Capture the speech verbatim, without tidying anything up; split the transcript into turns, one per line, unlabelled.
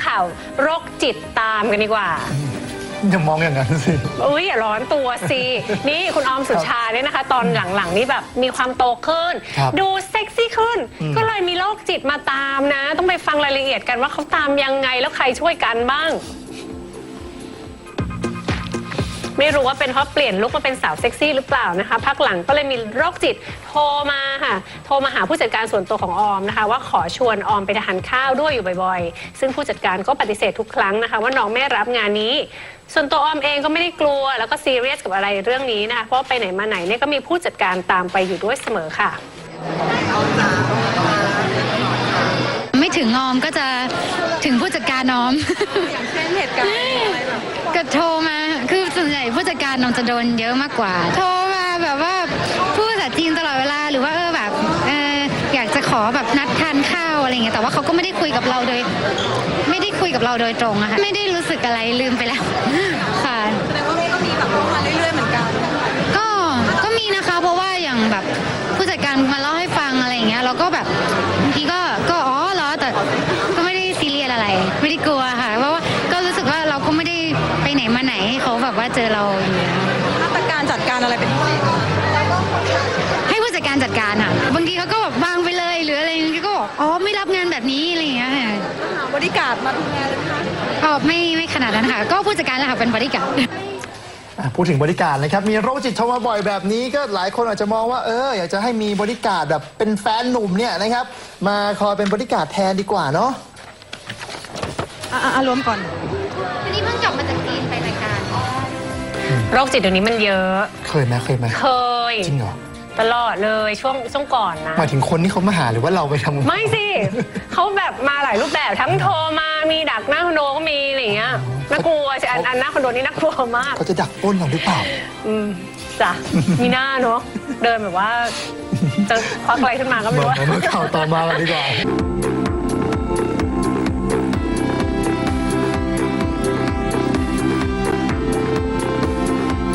ข่าวโรคจิตตามกันดีกว่า
อย่ามองอย่างนั้นสิ
อุ้ยอย่าร้อนตัวสินี่คุณออมสุชาเนี่ยนะคะตอนหลังๆนี่แบบมีความโตขึ้นดูเซ็กซี่ขึ้นก็เลยมีโรคจิตมาตามนะต้องไปฟังรายละเอียดกันว่าเขาตามยังไงแล้วใครช่วยกันบ้างไม่รู้ว่าเป็นเพราะเปลี่ยนลุคมาเป็นสาวเซ็กซี่หรือเปล่านะคะพักหลังก็เลยมีโรคจิตโทรมาค่ะโทรมาหาผู้จัดการส่วนตัวของออมนะคะว่าขอชวนออมไปทานข้าวด้วยอยู่บ่อยๆซึ่งผู้จัดการก็ปฏิเสธทุกครั้งนะคะว่าน้องไม่รับงานนี้ส่วนตัวออมเองก็ไม่ได้กลัวแล้วก็ซีเรียสกับอะไรเรื่องนี้นะคะเพราะไปไหนมาไหนเนี่ยก็มีผู้จัดการตามไปอยู่ด้วยเสมอค่ะ
ไม่ถึงออมก็จะถึงผู้จัดการออม
อย่างเช่นเหตุการณ์อะไรแบบ
ก็โทรมาคือส่วนใหญ่ผู้จัดการออมจะโดนเยอะมากกว่าโทรมาแบบว่าพูดภาษาจีนตลอดเวลาหรือว่าเออแบบเอออยากจะขอแบบนัดทานข้าวอะไรเงี้ยแต่ว่าเขาก็ไม่ได้คุยกับเราโดยไม่ได้คุยกับเราโดยตรงอะค่ะไม่ได้รู้สึกอะไรลืมไปแล้วค่ะ
แสดงว่าก็มีแบบเข้ามาเรื่อยๆเหมือนกัน
ก็ก็มีนะคะเพราะว่าอย่างแบบผู้จัดการมาเล่าให้ฟังอะไรอย่างเงี้ยเราก็แบบบางทีก็ก็อ๋อเหรอแต่ก็ไม่ได้ซีเรียสอะไรไม่ได้กลัวค่ะเพราะว่าก็รู้สึกว่าเราก็ไม่ได้ไปไหนมาไหนเขาแบบว่าเจอเราอยู่แล้ว
มาตรการจัดการอะไรเป็นพิเศษ
ให้ผู้จัดการจัดการค่ะบางทีเขาก็แบบวางไปเลยหรืออะไรก็บอกอ๋อไม่รับงานแบบนี้อะไรอย่างเงี้ยค่ะ
หาบริการมาดูแลเลยค่ะ
อ๋อไม่ไม่ขนาดนั้นค่ะก็ผู้จัดการแหละค่ะเป็นบริการ
พูดถึงบริการนะครับมีโรคจิตโทรมาบ่อยแบบนี้ก็หลายคนอาจจะมองว่าเอออยากจะให้มีบริการแบบเป็นแฟนหนุ่มเนี่ยนะครับมาคอยเป็นบริการแทนดีกว่าเนาะ
อ่ะรวมก่อน
วันนี้เพิ่งกลับมาจากจีนไปรายการ
โรคจิตเดี๋ยวนี้มันเยอะ
เคยไหมเคยไหม
เคย
จริงเหรอ
ตลอดเลยช่วงช่วงก่อนนะ
หมายถึงคนที่เขามาหาหรือว่าเราไปทำ
ไม่สิเขาแบบมาหลายรูปแบบทั้งโทรมามีดักหน้าคอนโดก็มีอะไรอย่างเงี้ยน่ากลัวอันอันหน้าคอนโดนี่น่ากลัวมาก
เขาจะดักปล้นเราหรือเปล่า
อืมจ้ะมีหน้าเนาะเดินแบบว่าจะควักอะไรขึ้นมาก็ไม่รู้
มาข่าวต่อมากันดีกว่า